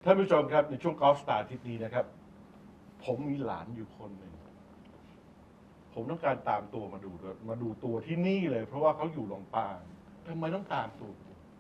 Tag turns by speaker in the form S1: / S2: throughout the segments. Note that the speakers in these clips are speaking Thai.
S1: ท่านผู้ชมครับในช่วงกอล์ฟสตาร์อาทิตย์นี้นะครับ ผมมีหลานอยู่คนหนึ่งผมต้องการตามตัวมาดูด้วยมาดูตัวที่นี่เลย เพราะว่าเขาอยู่ลำปางทำไมต้องตามตัว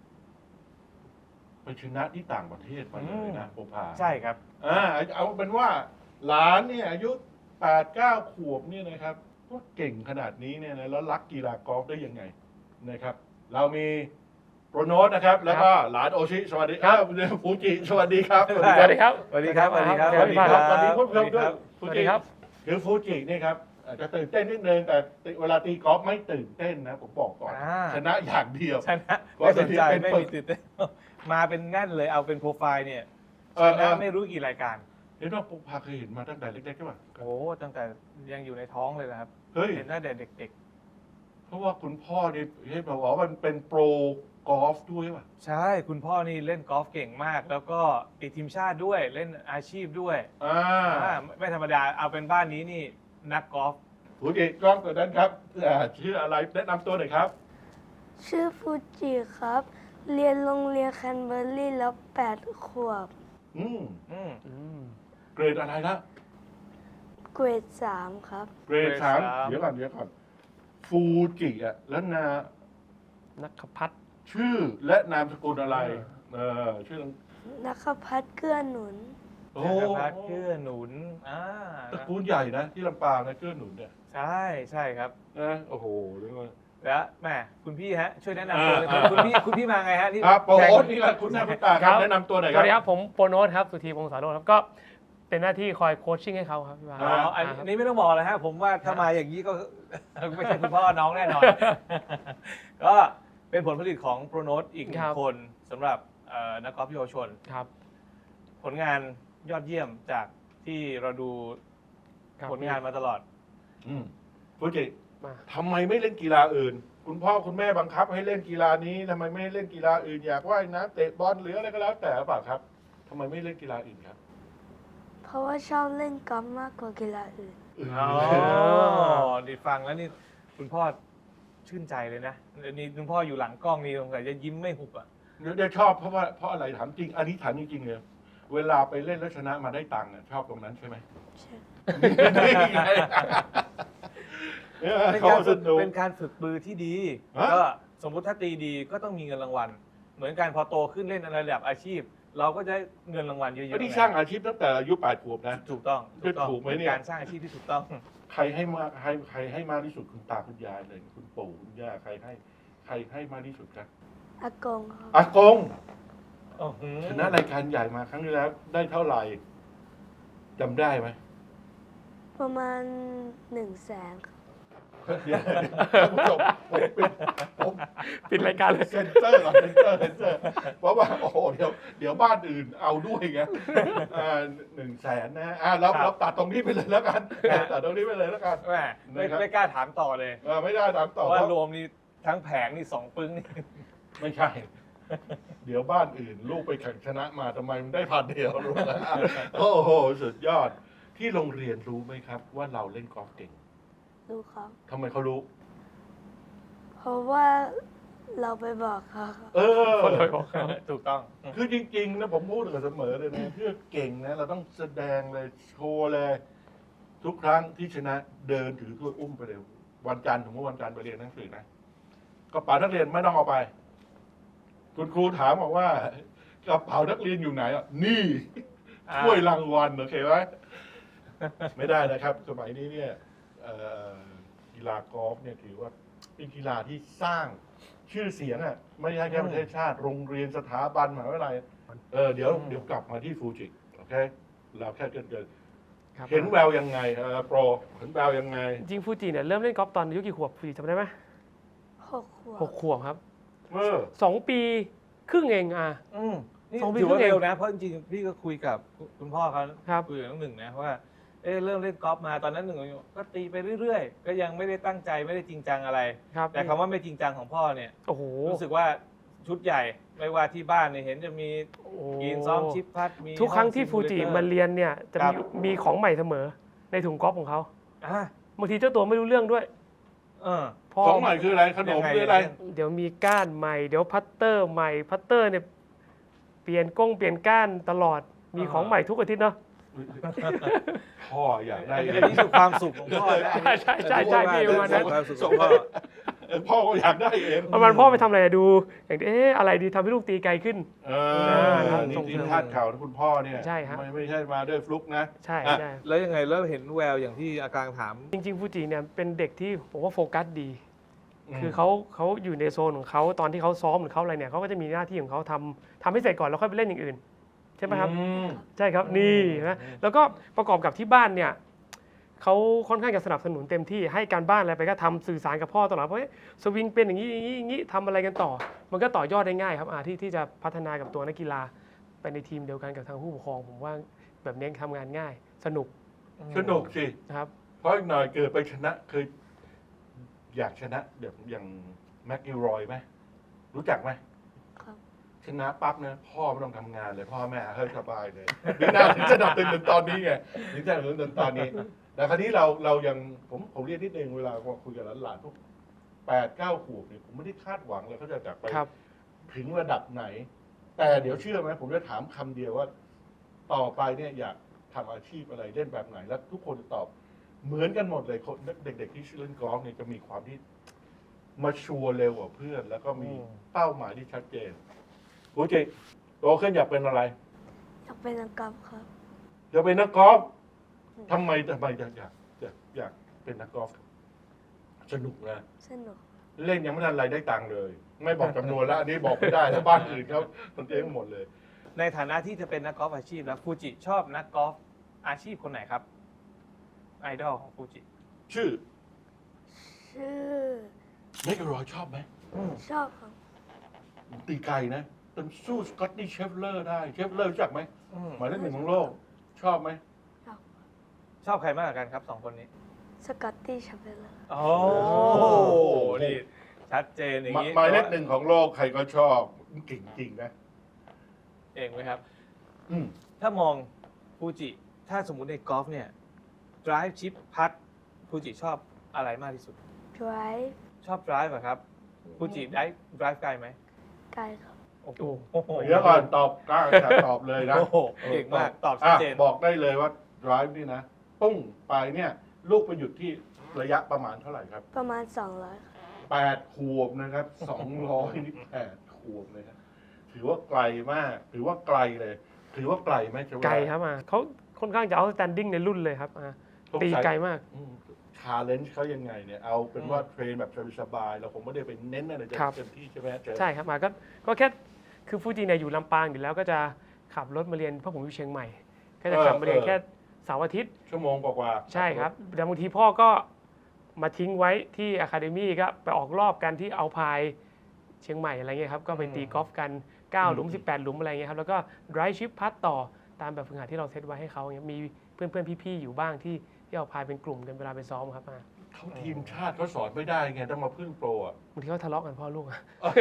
S1: ไปชนะที่ต่างประเทศมาเลยนะโปพา
S2: ใช่ครับ
S1: เอาเป็นว่าหลานเนี่ยอายุ8-9 ขวบเนี่ยนะครับว่าเก่งขนาดนี้เนี่ยนะแล้วรักกีฬากอล์ฟได้ยังไงนะครับ เรามีโปรโนตนะครับ แล้วก็หลานโอชิสวัสดีครับฟูจิสวัสดีครับ
S3: สวัสดีครับ
S2: สวัสดีครับ สวัสดีครับ
S1: สวัสดีครับสวัสดีคุณผู้ชมด้วย
S3: สวัสดีครับ
S1: คือฟูจิเนี่ยครับอาจจะตื่นเต้นนิดนึงแต่เวลาตีกอล์ฟไม่ตื่นเต้นนะผมบอกก่อนชนะอย่างเดียว
S2: ชนะไม่สนใจไม่มีตื่นเต้นมาเป็นแน่นเลยเอาเป็นโปรไฟล์เนี่ยชนะไม่รู้กี่รายการ
S1: เห็นว่าปุ๊กพาเคยเห็นมาตั้งแต่เล็กๆใช่ป่ะ
S2: โอ้ตั้งแต่ยังอยู่ในท้องเลยนะครับ
S1: เฮ้ย
S2: เห็นตั้งแต่เด็ก
S1: เพราะว่าคุณพ่อนี่เห็นบอกว่ามันเป็นโปรกอล์ฟด้วยป่ะ
S2: ๆ ใช่คุณพ่อนี่เล่นกอล์ฟเก่งมาก แล้วก็ติดทีมชาติด้วยเล่นอาชีพด้วยไม่ธรรมดาเอาเป็นบ้านนี้นี่นักกอล์ฟ
S1: ผู้จิกล้องตัวนั้นครับชื่ออะไรแนะนำตัวหน่อยครับ
S4: ชื่อฟูจิครับ เรียนโรงเรียนแคนเบอร์รี่แล้ว8 ขวบ
S1: อืม
S2: อืม
S1: เกรดอะไรละ
S4: เกรด 3 ครับ
S1: เกรด
S2: เกรด
S1: สาม
S2: 3
S1: เดี๋ยวก่อนฟูจิอ่ะแล้ว
S3: นักพัฒน์
S1: ชื่อและนามสกุลอะไรชื่อ
S4: นักพัฒน์เกื้อหนุน
S1: โอ้
S2: จักรพัฒน์เกื้อหนุน
S1: ตระกูลใหญ่นะที่ลำปางนะเกื้อหนุนเนี่ย
S2: ใช่ใช่ครับ
S1: นะโอ้โหเรียกว่า
S2: แล้วแม่คุณพี่ฮะช่วยแนะนำตัวเลยคุณพี่มาไงฮะนี่
S1: โปรโอ๊ตนี่แหละคุณหน้าคุณตาครับแนะนำตัวหน่อย
S3: ส
S1: ครั
S3: วั
S1: บ
S3: สดีครับผมโปรโนตครับสุธีพงศาโรจน์ครับก็เป็นหน้าที่คอยโคชชิ่งให้เขาครับพี่วา
S2: อ๋ออันนี้ไม่ต้องบอกเลยฮะผมว่าถ้ามาอย่างนี้ก็ ไม่ใช่คุณพ่อน้องแน่นอน ก็เป็นผลผลิตของโปรโนตอีกหนึ่งคนสำหรับนักกอล์ฟเยาวชน
S3: ครับ
S2: ผลงานยอดเยี่ยมจากที่เราดู
S3: ครับ
S2: ผลงานมาตลอด
S1: ฟูจิ
S3: มา
S1: ทำไมไม่เล่นกีฬาอื่น คุณพ่อคุณแม่บังคับให้เล่นกีฬานี้ทำไมไม่เล่นกีฬาอื่นอยากว่ายน้ำเตะบอลหรืออะไรก็แล้วแต่หรือเปล่าครับทำไมไม่เล่นกีฬาอื่นครับ
S4: เพราะว่าชอบเล่นกอล์ฟมากกว่ากีฬาอื่น
S2: อ๋อดีฟังแล้วนี่คุณพ่อชื่นใจเลยนะนี่คุณพ่ออยู่หลังกล้องนี่สงสัยจะยิ้มไม่หุบอ่ะ
S1: เดี๋ยวชอบเพราะอะไรถามจริง อันนี้ถามจริงๆเลยเวลาไปเล่นแล้วชนะมาได้ตังค์ชอบตรงนั้นใช่ไหม
S4: ใช่
S2: เป็น
S1: เขา
S2: การ
S1: ส
S2: ฝึก
S1: นุก
S2: เป็นการฝึกมือที่ดี
S1: ฮะ
S2: ก็สมมุติถ้าตีดีก็ต้องมีเงินรางวัล เหมือนกันพอโตขึ้นเล่นในระดับอาชีพ เราก็จะเงินรางวัลเยอะๆ
S1: ไม่ได้สร้างอาชีพตั้งแต่อายุ8 ขวบนะ
S2: ถูกต้อง
S1: ถูกไหมเนี่ย
S2: ป็การสร้างอาชีพที่ถูกต้อง
S1: ใครให้มากใครให้มากที่สุดคุณตาคุณยายเลย คุณปู่คุณย่าใครให้มากที่สุดครับ
S4: อากงครับ
S1: อากง
S2: อื้อหือ
S1: ชนะรายการใหญ่มาครั้งที่แล้วได้เท่าไหร่จำได้ไหม
S4: ประมาณ 100,000 ครับ
S1: เดี๋ยวท่านผู้ชมผม
S3: ปิดรายการเลย
S1: เซ็นเซอร์ก่อนเซ็นเซอร์เพราะว่าโอ้โหเดี๋ยวบ้านอื่นเอาด้วยไง100,000นะเราตัดตรงนี้ไปเลยแล้วกันตัดตรงนี้ไปเลยแล้วกัน
S2: แหม่ไม่กล้าถามต่อเลย
S1: ไม่ได้ตามต่อ
S2: เพราะว่ารวมนี่ทั้งแผงนี่2 ปึ้งนี่
S1: ไม่ใช่ เดี๋ยวบ้านอื่น ลูกไปแข่งชนะมาทำไมมันได้1,000 เดียวรู้ไหมโอ้โหสุดยอดที่โรงเรียนรู้ไหมครับ ว่าเราเล่นกอล์ฟเก่ง
S4: รู้ครับ
S1: ทำไมเขารู้
S4: เพราะว่าเราไปบอกเขาครับ
S3: คนเลยบอกครับ
S2: ถูกต้อง
S1: คือจริงๆนะผมพูดเสมอเลยนะเพื่อเก่งนะเราต้องแสดงเลยโชว์เลย ทุกครั้งที่ชนะเดินถือถ้วยอุ้มไปเลยวันจันทร์สมมติวันจันทร์ไปเรียนหนังสือนะกระเป๋านักเรียนไม่ต้องเอาไป คุณครูถามบอกว่ากระเป๋านักเรียนอยู่ไหนอ่ะนี่ถ้วยรางวัลโอเคไหมไม่ได้นะครับ สมัยนี้เนี่ยกีฬากอล์ฟเนี่ยถือว่าเป็นกีฬาที่สร้างชื่อเสียงอ่ะไม่ใช่แค่ประเทศชาติโรงเรียนสถาบันมหาวิทยาลัยเดี๋ยวกลับมาที่ฟูจิโอเคเราแค่เกิน
S3: ครับ
S1: เห็นแววยังไงโปรเห็นแววยังไง
S3: จริงฟูจิเนี่ยเริ่มเล่นกอล์ฟตอนอายุกี่ขวบฟูจิจำได้ไหม
S4: 6 ขวบ
S3: 6 ขวบครับ 2 ปีครึ่งเอง
S2: นี่
S3: 2 ปี
S2: ถือว่า
S3: ครึ่งเอง
S2: เร็วนะ เพราะจริงๆพี่ก็คุยกับคุณพ่อเขา
S3: ครับ
S2: คุยกับน้องหนึ่งนะว่าเริ่มเล่นกอล์ฟมาตอนนั้นหนึ่งก็ตีไปเรื่อยๆ ก็ยังไม่ได้ตั้งใจไม่ได้จริงจังอะไร
S3: ครับ
S2: แต่คำว่าไม่จริงจังของพ่อเนี่ย
S3: โอ้โห
S2: รู้สึกว่าชุดใหญ่ไม่ว่าที่บ้านเนี่ยเห็นจะมี
S3: โอ้โห
S2: กินซ้อมชิปพัดมี
S3: ทุกครั้งที่
S2: ห้อ
S3: ฟูจิ
S2: ซิมูเลเตอร์
S3: มาเรียนเนี่ยจะ
S2: ครั
S3: มี
S2: บ
S3: มีของใหม่เสมอในถุงกอล์ฟของเขา
S2: อ่ะ
S3: บางทีเจ้าตัวไม่รู้เรื่องด้วย
S2: เออ
S3: พ่อ
S1: ของใหม่คืออะไรขนมคืออะไร
S3: เดี๋ยวมีก้านใหม่เดี๋ยวพัตเตอร์ใหม่พัตเตอร์เนี่ยเปลี่ยนก้านตลอดมีของใหม่ทุกอาทิตย์เนาะ
S1: พ่ออยากได้
S2: อันนี้คือความสุขของพ่อนะ
S3: ใช่พี่ประมาณนั้น
S2: ความสุขของพ่อ
S1: พ่อก็อยากได้เอง
S3: ประมาณพ่อไปทำอะไรดูอย่างอะไรดีทำให้ลูกตีไกลขึ้น
S1: นี่
S3: ส่ง
S1: ที่
S3: เสริม
S1: คาดข่าวนะคุณพ่อเนี่ย
S3: ใช่ฮะ
S1: ไม่ใช่มาด้วยฟลุกนะ
S3: ใช่
S1: อ่ะ
S3: ใช่
S2: แล้วยังไงแล้วเห็นแววอย่างที่อาการถาม
S3: จริงๆฟูจิเนี่ยเป็นเด็กที่ผมว่าโฟกัสดี คือเขาอยู่ในโซนของเขาตอนที่เขาซ้อมหรือเขาอะไรเนี่ยเขาก็จะมีหน้าที่ของเขาทำให้เสร็จก่อนแล้วค่อยไปเล่นอย่างอื่นใช่ไหมครับ
S1: อืม
S3: ใช่ครับนี่นะแล้วก็ประกอบกับที่บ้านเนี่ยเขาค่อนข้างจะสนับสนุนเต็มที่ให้การบ้านอะไรไปก็ทำสื่อสารกับพ่อตลอดเพราะสวิงเป็นอย่างนี้อย่างนี้ทำอะไรกันต่อ มันก็ต่อยอดได้ง่ายครับที่จะพัฒนากับตัวนักกีฬาไปในทีมเดียวกันกับทางผู้ปกครองผมว่าแบบนี้ทำงานง่ายสนุก
S1: สนุกสิ
S3: นะครับ
S1: เพราะอีกหน่อยเกิดไปชนะเคยอยากชนะแบบอย่างแม็กกิลรอยไหมรู้จักไหม
S4: ครับ
S1: ชนะปั๊บเนี่ยพ่อไม่ต้องทำงานเลย พ่อแม่เฮ้ยสบายเลยนี่น่าถึงจะดับตื่นตอนนี้ไงถึงจะดับตื่นตอนนี้ แต่คราวนี้เรายังผมเรียนนิดนึงเวลาคุยกับหลานๆพวก8-9 ขวบเนี่ยผมไม่ได้คาดหวังเลยเขาจะจากไป
S3: ครับ
S1: ถึงระดับไหน แต่เดี๋ยวเชื่อไหมผมจะถามคำเดียวว่า ต่อไปเนี่ยอยากทำอาชีพอะไรเล่นแบบไหน แล้วทุกคนจะตอบเหมือนกันหมดเลยคนเด็กๆที่เล่นกอล์ฟเนี่ยจะมีความที่มาชัวร์เร็วกว่าเพื่อน แล้วก็มีเป้าหมายที่ชัดเจนโอ้เจโตขึ้นอยากเป็นอะไร
S4: อยากเป็นนักกอล์ฟครับ
S1: อยากเป็นนักกอล์ฟทำไมอยากเป็นนักกอล์ฟสนุกนะ
S4: สนุก
S1: เล่นยังไม่ทันไรได้ตังค์เลย ไม่บอกจำนวนแล้วอันนี้บอกไม่ได้ถ้าบ้านอื่นเขามันเจ๊งหมดเลย
S2: ในฐานะที่จะเป็นนักกอล์ฟอาชีพแล้วฟูจิชอบนักกอล์ฟอาชีพคนไหนครับไอดอลของฟูจิ
S1: ชื่อ
S4: ชื่อ
S1: เมกรอยชอบไหม
S4: ชอบครับ
S1: ตีไกลนะจนสู้สกอตตี้เชฟเลอร์ได้เชฟเลอร์รู้จักไหมหมายเลข 1ของโลก ชอบไหม
S2: ชอบใครมากกว่ากันครับสองคนนี้
S4: สกอตตี้ชัมเบอร์เลอร์
S2: โอ้นี่ชัดเจนอย่างนี้
S1: หมายเลข 1ของโลกใครก็ชอบเก่งจริงนะ
S2: เองไหมครับ
S1: อืม
S2: ถ้ามองฟูจิถ้าสมมุติในกอล์ฟเนี่ย drive chip พัดฟูจิชอบอะไรมากที่สุด
S4: drive
S2: ชอบ drive เหรอครับฟูจิได้ drive ไกลไหม
S4: ไกลครับ
S2: โอ้โห
S1: เดี๋ยวก่อนตอบกล้าจะตอบเลยนะ
S2: โอ้โหเก่งมากตอบชัดเจน
S1: บอกได้เลยว่า drive นี่นะปุ้งไปเนี่ยลูกไปหยุดที่ระยะประมาณเท่าไหร่ครับ
S4: ประมาณ 200ครับ
S1: 8 ขวบนะครับ 200 นี่8 ขวบเลยครับถือว่าไกลมาก ถือว่าไกลเลย ถือว่าไกลไหมจะว่า
S3: ไกลครับเขาค่อนข้างจะเอาสแตนดิ้งในรุ่นเลยครับตีไกลมาก
S1: ชาเลนจ์เขายังไงเนี่ย เอาเป็นว่าเทรนแบบสบายๆเราผมไม่ได้ไปเน้นอะไร
S3: ครับ
S1: เต็มที่ใช่ไหมเจ๊
S3: ใช่ครับก็แค่คือฟูจิเนี่ยอยู่ลำปางอยู่แล้วก็จะขับรถมาเรียนเพราะผมอยู่เชียงใหม่ ก็จะขับมาเรียนแค่เสาร์อาทิตย์
S1: ชั่วโมงกว่าๆ
S3: ใช่ครับแต่บางทีพ่อก็มาทิ้งไว้ที่อะคาเดมี่ก็ไปออกรอบกันที่เอาพายเชียงใหม่อะไรเงี้ยครับก็ไปตีกอล์ฟกัน9 หลุม 18 หลุมอะไรเงี้ยครับแล้วก็ drive chip พัดต่อตามแบบฝึกหัดที่เราเซตไว้ให้เขาเงี้ยมีเพื่อนๆพี่ๆอยู่บ้างที่เอาพายเป็นกลุ่มกันเวลาไปซ้อมครับ
S1: เขาทีมชาติเขาสอนไม่ได้ไงต้องมาพึ่งโปรอ่ะ
S3: บางทีเขาทะเลาะกันพ่อลูก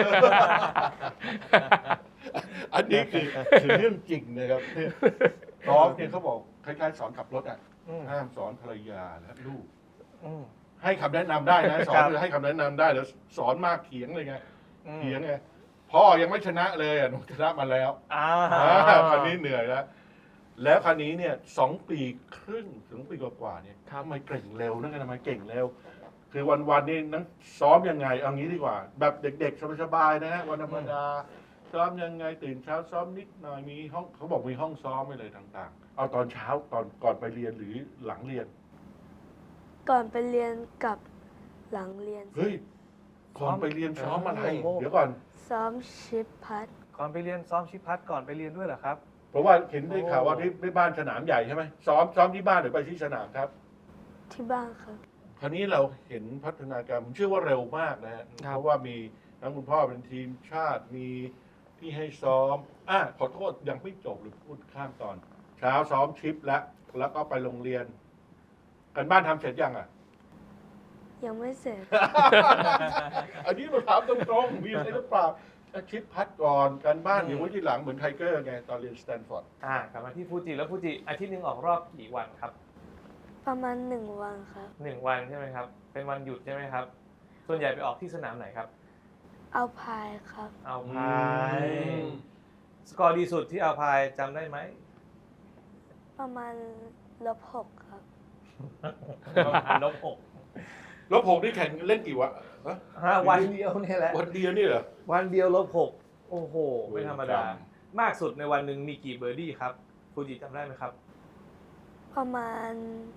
S1: อันนี้คือเรื่องจริงนะครับเนี่ยกอล์ฟเนี่ยเขาบอกคล้ายๆสอนขับรถอ่ะ
S2: อืม
S1: ห้ามสอนภรรยาและลูก
S2: อืม
S1: ให้คำแนะนำได้นะสอ
S2: ครั
S1: น
S2: บ
S1: คือให้คำแนะนำได้แล้วสอนมากเถียงเลยไง
S2: อืม
S1: เถียงไงพ่อยังไม่ชนะเลยอ่ะหนูชนะมาแล้ว
S2: อ่า
S1: คราวนี้เหนื่อยแล้วแล้วคราวนี้เนี่ย2 ปีครึ่งถึงปีกว่าๆเนี่ย
S3: ครับ
S1: ทำไมเก่งเร็วนั่นไงทำไมเก่งเร็ว คือวันๆนี่นั่งซ้อมยังไงเอางี้ดีกว่า แบบเด็กๆสบายๆนะฮะวันธรรมดาซ้อมยังไงตื่นเช้าซ้อมนิดหน่อยมีห้องเขาบอกมีห้องซ้อมไปเลยต่างๆ เอาตอนเช้าก่อนไปเรียนหรือหลังเรียน
S4: ก่อนไปเรียนกับหลังเรียน
S1: เฮ้ยก่อนไปเรียนซ้อมอะไร
S2: โอ้โห
S1: เดี๋ยวก่อน
S4: ซ้อมชิปพัด
S2: ก่อนไปเรียนซ้อมชิปพัดก่อนไปเรียนด้วยเหรอครับ
S1: เพราะว่าเห็นได้ข่าวว่าที่บ้านสนามใหญ่ใช่ไหมซ้อมที่บ้านหรือไปที่สนามครับ
S4: ที่บ้านครับ
S1: คราวนี้เราเห็นพัฒนาการผมเชื่อว่าเร็วมากนะฮะ
S3: ครับ
S1: เพราะว่ามีทั้งคุณพ่อเป็นทีมชาติมีที่ให้ซ้อมขอโทษยังไม่จบหรือพูดข้ามตอน เช้าซ้อมชิปแล้วก็ไปโรงเรียน กันบ้านทำเสร็จยังอ่ะ
S4: ยังไม่เสร็จ
S1: อันนี้มาถามตรงๆมีอะไรหรือเปล่าชิปพัดก่อนกันบ้านเดี๋ยวไว้ทีหลังเหมือนไทเกอร์ไงตอนเรียนสแตนฟอร์ด
S2: กลับมาที่ฟูจิแล้วฟูจิอาทิตย์หนึ่งออกรอบกี่วันครับ
S4: ประมาณ1 วันครับ
S2: 1 วันใช่ไหมครับ เป็นวันหยุดใช่ไหมครับ ส่วนใหญ่ไปออกที่สนามไหนครับ
S4: เอาพายครับ
S2: เอาพาย สกอร์ดีสุดที่เอาพายจำได้ไหม
S4: ประมาณ-6ครับ
S2: ลบหก
S1: ลบหกนี่แข่งเล่นกี่วันฮะ
S2: วันเดียวนี่แหละ
S1: วันเดียวนี่เหรอ
S2: วันเดียวลบหกโอ้โห ไม่ธรรมดา
S1: ครับ
S2: มากสุดในวันหนึ่งมีกี่เบอร์ดี้ครับฟูจิจำได้ไหมครับ
S4: ประมาณ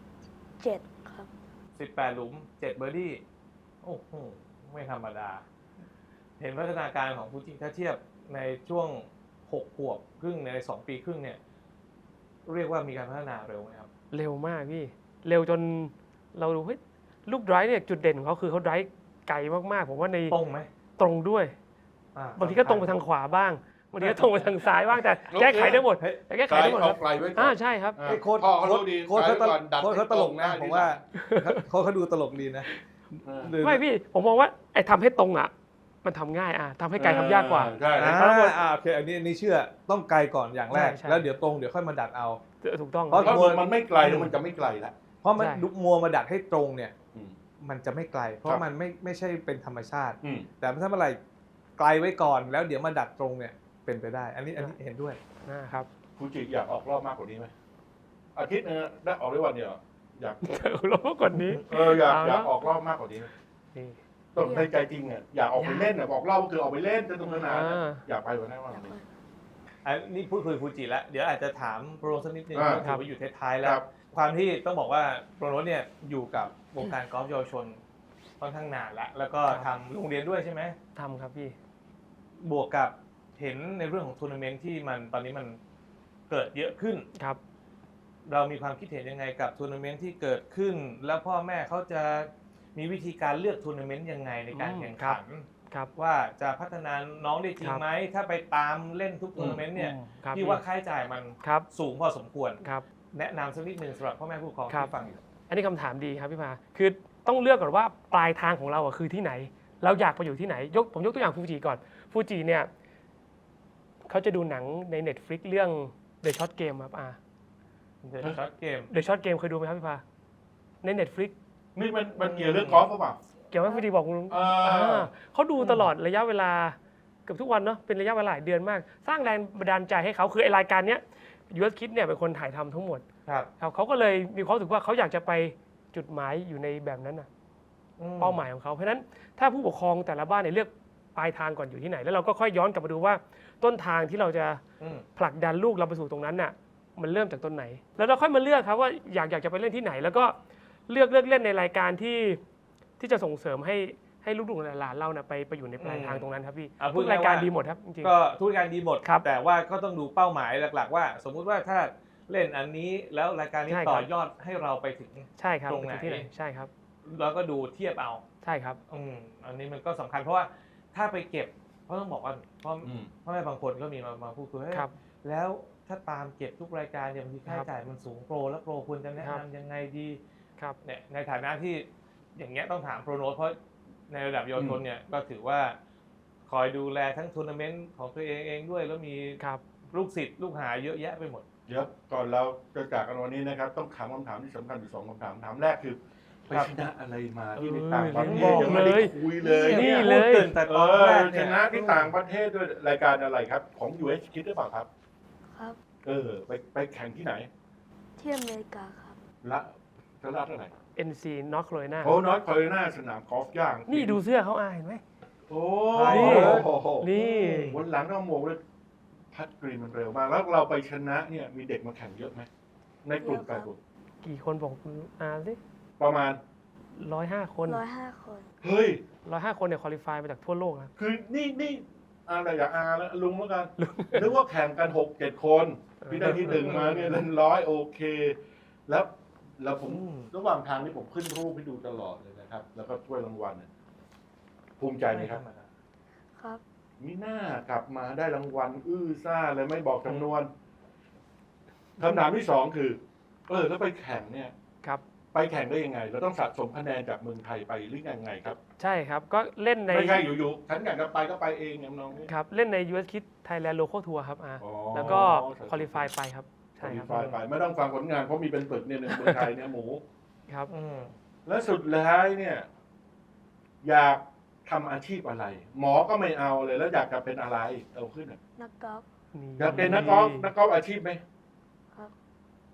S4: 7ครับ
S2: 18 หลุม 7 เบอร์ดี้โอ้โห ไม่ธรรมดา เห็นพัฒนาการของฟูจิถ้าเทียบในช่วง 6 ขวบครึ่งใน 2 ปีครึ่งเนี่ย เรียกว่ามีการพัฒนาเร็วไหมครับ
S3: เร็วมากพี่เร็วจนเราดูเฮ้ยลูกไดรฟ์เนี่ยจุดเด่นของเขาคือเขาไดรฟ์ไกลมากๆผมว่าใน
S2: ตรงไหม
S3: ตรงด้วย
S2: อ่า
S3: บางทีก็ตรงไปทางขวาบ้างบางทีก็ตรงไปทางซ้ายบ้างแต่แก้ไขได้หมด
S2: เฮ้ย
S3: แต่แก้ไข
S1: ไกล
S3: ได้หมดค
S1: เอา
S3: รับ
S1: ไกลไว้ก่อน
S3: ใช่ครับ
S1: อ่า
S2: ไอ้โค้ด
S1: พ่อเขารู้ดี
S2: โค้ดเขา
S1: ไกลไว้ก่อนดัด
S2: โค้ดเขาตลกนะ
S1: ให้ตรงได้
S2: ผมว่าโค้ดเขาดูตลกดีนะ
S3: ไม่พี่ผมมองว่าไอ้ทำให้ตรงอ่ะมันทำง่ายทำให้ไกลทำยากกว่า
S1: ใช่
S2: อ่า
S1: ครับ
S2: โอเคอันนี้เชื่อต้องไกลก่อนอย่างแรก
S3: ใช่
S2: แล้วเดี๋ยวตรงเดี๋ยวค่อยมาดัดเอา
S3: ถูกต้อง
S2: เพราะ
S1: ถ้ามันไม่ไกลแล้วมันจะไม่ไกลละ
S2: เพราะมัน
S3: ใช่
S2: ดุมัวมาดัดให้ตรงเนี่ย
S1: อืม
S2: มันจะไม่ไกล เพราะ
S1: ครับ
S2: มันไม่ใช่เป็นธรรมชาติ
S1: อืม
S2: แต่ถ้าเมื่อไหร่ไกลไว้ก่อนแล้วเดี๋ยวมาดัดตรงเนี่ยเป็นไปได้ อันนี้เห็นด้วย
S3: ครับ
S1: ฟูจิอยากออกรอบมากกว่านี้ไหมอาทิตย์นึงได้ออกได้วันเดียวอยาก
S3: ลบกว่านี้
S1: อยาก
S3: เอาละ
S1: อยากออกรอบมากกว่านี้ไหม
S3: นี่
S1: ต้องในใจจริงอ่ะอยากออกไปเล่นอ่ะบอกรอบก็คือออกไปเล่นจะตรงสนาม
S3: อ่า
S1: อยากไปกว่านั้นว่านี้
S2: อันนี้พูดคุยฟูจิแล้ว เดี๋ยวอาจจะถามโปรโนสักนิดนึง
S1: อ่า
S2: เพราะถือว่าอยู่ท้ายๆแล้
S1: คว รับ
S2: ความที่ต้องบอกว่าโปรโนสเนี่ยอยู่กับวงการกอล์ฟเยาวชนค่อนข้างนานแล้วแล้วก็ทำโรงเรียนด้วยใช่ไหม
S3: ทำครับพี่
S2: บวกกับเห็นในเรื่องของทัวร์นาเมนต์ที่มันตอนนี้มันเกิดเยอะขึ้น
S3: ครับ
S2: เรามีความคิดเห็นยังไงกับทัวร์นาเมนต์ที่เกิดขึ้น แล้วพ่อแม่เขาจะมีวิธีการเลือกทัวร์นาเมนต์ยังไงในการแข่งขัน
S3: ครับ
S2: ว่าจะพัฒนาน้องได้จริ
S3: ค
S2: ง
S3: รับ
S2: ไหมถ้าไปตามเล่นทุกทัวร์นาเมนต์เนี่ย
S3: ครับ
S2: พี่ว่าค่าใช้จ่ายมัน
S3: ครับ
S2: สูงพอสมควร
S3: ครับ
S2: แนะนำสักนิดนึงสำหรับพ่อแม่ผู้ปกครอง
S3: ครับ
S2: ที่ฟังอยู่
S3: อันนี้คำถามดีครับพี่พาคือต้องเลือกก่อนว่าปลายทางของเราอะคือที่ไหน เราอยากไปอยู่ที่ไหนผมยกตัวอย่างฟูจิก่อนฟูจิเนี่ยเขาจะดูหนังใน Netflix เรื่อง The Short Game ครับ
S2: เดี๋ยวช็อตเกม
S3: The Short Game เคยดูไหมครับพี่พาใน Netflix
S1: นี่มันเกี่ยวเรื่องกอล์ฟหรือเปล่า
S3: เกี่ยวกับฟูจิบอกคุณลุง เขาดูตลอดระยะเวลาเกือบทุกวันเนาะเป็นระยะเวลาหลายเดือนมาก สร้างแรงบันดาลใจให้เขาคือไอรายการเนี้ย US Kids เนี่ยเป็นคนถ่ายทำทั้งหมด
S2: ครับ
S3: ครับเขาก็เลยมีความรู้สึกว่าเขาอยากจะไปจุดหมายอยู่ในแบบนั้นน่ะเป้าหมายของเขาเพราะฉะนั้นถ้าผู้ปกครองแต่ละบ้านเนี่ยเลือกปลายทางก่อนอยู่ที่ไหน แล้วเราก็ค่อยย้อนกลับมาดูว่าต้นทางที่เราจะ
S2: อืม
S3: ผลักดันลูกเราไปสู่ตรงนั้นน่ะมันเริ่มจากต้นไหน แล้วเราค่อยมาเลือกครับว่าอยากจะไปเล่นที่ไหน แล้วก็เลือกเล่นในรายการที่จะส่งเสริมให้ลูกๆหลานๆเราน่ะไปอยู่ในปลายทางตรงนั้นครับพี่
S2: พู
S3: ทุ
S2: ด
S3: ก
S2: ง่
S3: รายการ
S2: ว่
S3: ดีหมดครับจริง
S2: ก็ทุกรายการดีหมด
S3: ครับ
S2: แต่ว่าก็ต้องดูเป้าหมายหลักๆ ว่า สมมุติว่าถ้าเล่นอันนี้แล้วรายการนี้
S3: ใช่ครับ
S2: ต่อยอดให้เราไปถึง
S3: ๆใช่ครับ
S2: ตรงไหน
S3: ที่ไหนใช่ครับ
S2: แล้วก็ดูเทียบเอา
S3: ใช่ครับ
S2: อันนี้มันก็สำคัญเพราะว่าถ้าไปเก็บเพราะต้องบอกว่าพ่อ
S1: อืม
S2: พ่อแม่บางคนก็มีมาพูดคุยเฮ้ย
S3: ครับ
S2: แล้วถ้าตามเก็บทุกรายการเนี่ยบางทีค่าใช้จ่ายมันสูงโปรแล้วโปรควรจะแนะ
S3: ครับ
S2: นำยังไงดี
S3: ครับ
S2: เนี่ยในฐานะที่อย่างเงี้ยต้องถามโปรโนตเพราะในระดับเยาวชนเนี่ยก็ถือว่าคอยดูแลทั้งทัวร์นาเมนต์ของตัวเองด้วยแล้วมี
S3: ครับ
S2: ลูกศิษย์ลูกหาเยอะแยะไปหมด
S1: เดี๋ยวก่อนเราจะจากกันวันนี้นะครับ ต้องถามคำถามที่สำคัญอยู่2คำถามถามแรกคือไป
S2: ครับ
S1: ชนะอะไรมาที่ในต่างประเท
S3: บ
S1: ศ
S3: อก
S1: ยังไม่ได้
S3: เลย
S1: คุยเลย
S3: นี่
S1: เนี่ย
S3: เลย
S2: พูดตื่นแต่ตอนแรก
S1: ช
S2: เนี่ย
S1: นะที่ต่างประเทศด้วยรายการอะไรครับ ของ US Kids หรือเปล่าครับ
S4: ครับ
S1: ไปแข่งที่ไหน
S4: ที่อเมริกาครับ
S1: ละรัฐอะไร
S3: NC North Carolina
S1: โอ้นอร์ทแคโรไลนาสนามกอล์ฟย่าง
S3: นี่ดูเสื้อเขาเห็นไหม
S1: โอ้
S3: นี่
S1: โห
S3: นี่
S1: วันหลังต้องโมกเลยพัดกรีนมันเร็วมาก แล้วเราไปชนะเนี่ยมีเด็กมาแข่งเยอะไหมในกลุ่ม
S4: เยอะ
S1: แป
S4: ครั
S1: ด
S4: บ
S1: กลุ่ม
S3: กี่คนบอกสิ
S1: ประมาณ
S3: 105 คน
S4: 105 คน
S1: เฮ้ย
S3: 105 คนเนี่ยคุริฟายมาจากทั่วโลกนะ
S1: คือนี่อะไรอย่าอาแล้วลุงแล้วกันนึกว่าแข่งกัน6-7 คนพี่ได้ที่ 1มาเนี่ยเล่น100โอเค แล้วผมระหว่างทางนี่ผมขึ้นรูปให้ดูตลอดเลยนะครับ แล้วก็ถ้วยรางวัลเนี่ยภูมิใจไหมครับ
S4: ครับ
S1: มีหน้ากลับมาได้รางวัลซ่าเลยไม่บอกจำนวนคำถามที่2คือแล้วไปแข่งเนี่ย
S3: ครับ
S1: ไปแข่งได้ยังไง เราต้องสะสมคะแนนจากเมืองไทยไปหรือยังไงครับ
S3: ใช่ครับ ก็เล่นใน
S1: ไม่ใช่อยู่ๆฉันอยากจะไปก็ไปเองอย่างน้องนี่
S3: ครับ เล่นใน US Kids Thailand Local Tour ครับแล้วก็คุริฟายไปครับ ใช่ครับ
S1: ไปไม่ต้องฟังผลงานเพราะมีเป็นปึกเนี่ยในเมืองไทยเนี่ยหมู
S3: ครับ
S1: และสุดท้ายเนี่ย อยากทำอาชีพอะไร หมอก็ไม่เอาเลยแล้วอยากจะเป็นอะไรเอาขึ้นอ่ะ
S4: นักกอล์ฟ
S1: อยากเป็นนักกอล์ฟอาชีพไหม
S4: ครับ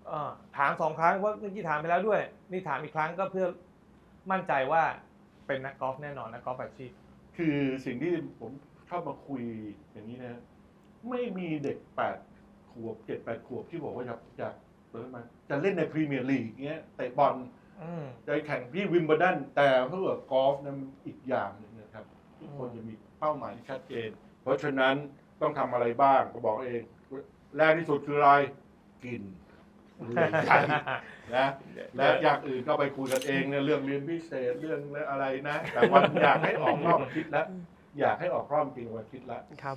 S2: ถาม2 ครั้งเพราะเมื่อกี้ถามไปแล้วด้วย นี่ถามอีกครั้งก็เพื่อมั่นใจว่าเป็นนักกอล์ฟแน่นอนนักกอล์ฟอาชีพ
S1: คือสิ่งที่ผมชอบมาคุยอย่างนี้นะ ไม่มีเด็ก8 ขวบ 7-8 ขวบที่บอกว่าอยากเปิดมาจะเล่นในพรีเมียร์ลีกเงี้ยเตะบอลจะแข่งที่วิมเบิลดันแต่เพื่อกอล์ฟนั้นอีกอย่างหนึ่งนะครับทุกคนจะมีเป้าหมายที่ชัดเจน เพราะฉะนั้นต้องทำอะไรบ้างก็บอกเองแรกที่สุดคืออะไรกินใช่นะและอย่างอื่นก็ไปคุยกันเองเนี่ยเรื่องเรียนพิเศษเรื่องอะไรนะ แต่วันอยากให้ออกรอบอาทิตย์แล้วอยากให้ออกรอบจริงวันอาทิตย์ละ
S3: ครับ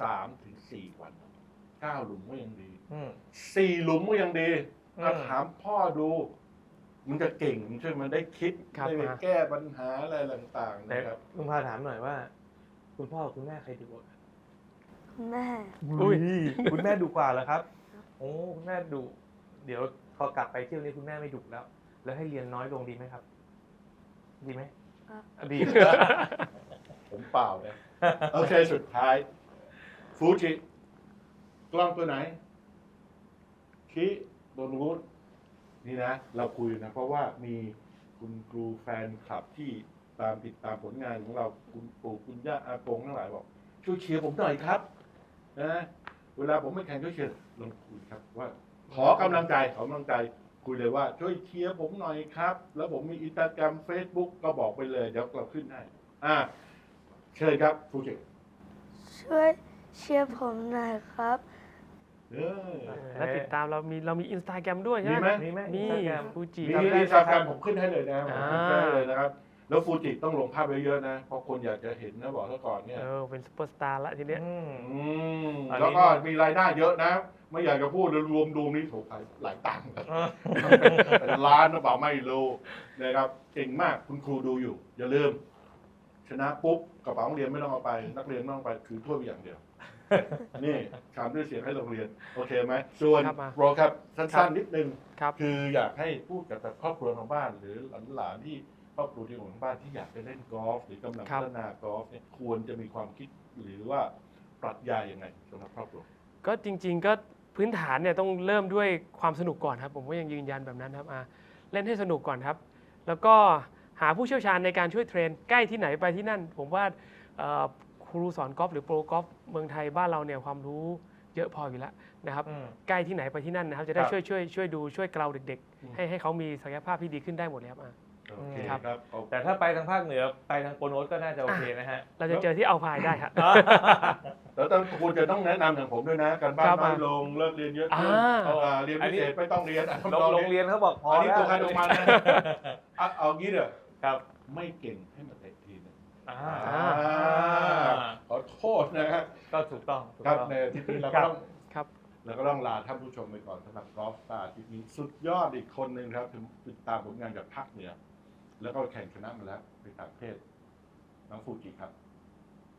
S1: 3-4 วัน9 หลุมก็ยังดี4 หลุมก็ยังดีก็ถามพ่อดูมันจะเก่งใช่ไหมมันได้คิด
S3: ครับ
S1: ได้ไปแก้ปัญหาอะไรต่างๆ
S2: แต่
S1: นะครับ
S2: ลุงพาถามหน่อยว่า คุณพ่อกับคุณแม่ใครดีกว่ากัน
S4: แม่
S3: อุ้ย
S2: คุณแม่ดุกว่าเหรอครับ โอ้คุณแม่ดุเดี๋ยวพอกลับไปเที่ยวนี้คุณแม่ไม่ดุแล้ว แล้วให้เรียนน้อยลงดีไหมครับ ดีไหม
S4: ครับ
S2: ดี
S1: ผมเปล่านะโอเคสุดท้ายฟูจิกล้องตัวไหนคิโดนูนนี่นะ เราคุยนะ เพราะว่ามีคุณครูแฟนคลับที่ติดตามผลงานของเราคุณปู่คุณย่าอากงทั้งหลายบอกช่วยเชียร์ผมหน่อยครับนะเวลาผมไม่แข่งช่วยเชียร์ลองคุยครับว่า ขอกำลังใจคุยเลยว่าช่วยเชียร์ผมหน่อยครับ แล้วผมมีอินสตาแกรม Facebook ก็บอกไปเลยเดี๋ยวเราขึ้นให้เชิญครับฟูจิ
S4: ช่วยเชียร์ผมหน่อยครับ
S3: แล้วติดตามเรามีอินสตาแกรมด้วยใช่
S1: มี
S3: ไห
S1: ไห
S3: ม
S1: ม
S2: มีไหม
S3: มี
S2: Instagram
S3: ฟูจิ
S1: มี
S2: จำได้
S1: อินสตาแกรมผมขึ้นให้เลยนะผม
S3: อ่า
S1: ขึ้นให้เลยนะครับ แล้วฟูจิต้องลงภาพเยอะๆนะ เพราะคนอยากจะเห็นนะบอกซะก่อนเนี่ย
S3: เป็นซุปเปอร์สตาร์ละทีเนี้ย
S2: อันนี้
S1: แล้วก็มีรายได้เยอะนะ ไม่อยากจะพูดรวมดูนี่ถูกหลายตังค์เป็นล้านหรือเปล่าไม่รู้นะครับเก่งมากคุณครูดูอยู่ อย่าลืม ชนะปุ๊บกระเป๋าโรงเรียนไม่ต้องเอาไป นักเรียนไม่ต้องไปถือถ้วยไปอย่างเดียว นี่ถามด้วยเสียงให้โรงเรียน โอเคไหมส่วน
S3: ครับมา
S1: โปรครับสั้นๆนิดนึง
S3: ครับ
S1: คืออยากให้พูดกับแบบครอบครัวทางบ้าน หรือหลานๆที่ครอบครัวที่อยู่ทางบ้านที่อยากจะเล่นกอล์ฟหรือกำลัง
S3: ครั
S1: พั
S3: บ
S1: ฒนากอล์ฟเนี่ยควรจะมีความคิดหรือว่าปรัชญายังไงสำหรับครอบครัว
S3: ก็จริง ๆ ก็พื้นฐานเนี่ยต้องเริ่มด้วยความสนุกก่อนครับ ผมก็ยังยืนยันแบบนั้นครับเล่นให้สนุกก่อนครับ แล้วก็หาผู้เชี่ยวชาญในการช่วยเทรนใกล้ที่ไหนไปที่นั่น ผมว่าครูสอนกอล์ฟหรือโปรกอล์ฟเมืองไทยบ้านเราเนี่ยความรู้เยอะพออยู่แล้วนะครับ ใกล้ที่ไหนไปที่นั่นนะครับ จะได้
S1: ครับ
S3: ช่วยดูช่วยเกลาเด็กๆ ให้เขามีศักยภาพที่ดีขึ้นได้หมดเลยครับ
S1: โอเค
S3: ครับ
S1: ครับ
S2: แต่ถ้าไปทางภาคเหนือไปทางโปรโนสก็น่าจะโอเคนะฮะ
S3: เราจะเจอที่เอาพายได้ครับ
S1: แล้วต้องควรจะต้องแนะนำอย่างผมด้วยนะ การบ้าน
S3: ครับ
S1: น้อยลงเลิกเรียนเยอะขึ้น เรียนพิเศษไม่ต้องเรียน
S2: โรงเรียนเขาบอกพอ
S1: อันนี้
S2: แล้ว
S1: ตัวใครตัวมันนะเอางี้เถอะ
S2: ครับ
S1: ไม่เก่งให้มาเตะทีนึง
S2: อ่า
S1: ขอโทษนะฮะ
S2: ก็ถูกต้องถูก
S1: ครับ
S2: ต้อง
S1: ในอาที่นี้เรา
S2: ครั
S1: ก็
S2: บ
S1: ต้อง
S3: ครับ
S1: แล้วก็ต้องลาท่านผู้ชมไปก่อนสำหรับกอล์ฟสตาร์ที่นี้สุดยอดอีกคนหนึ่งครับถึงติดตามผลงานจากภาคเหนือแล้วก็แข่งชนะมาแล้วในต่างประเทศน้องฟูจิครับ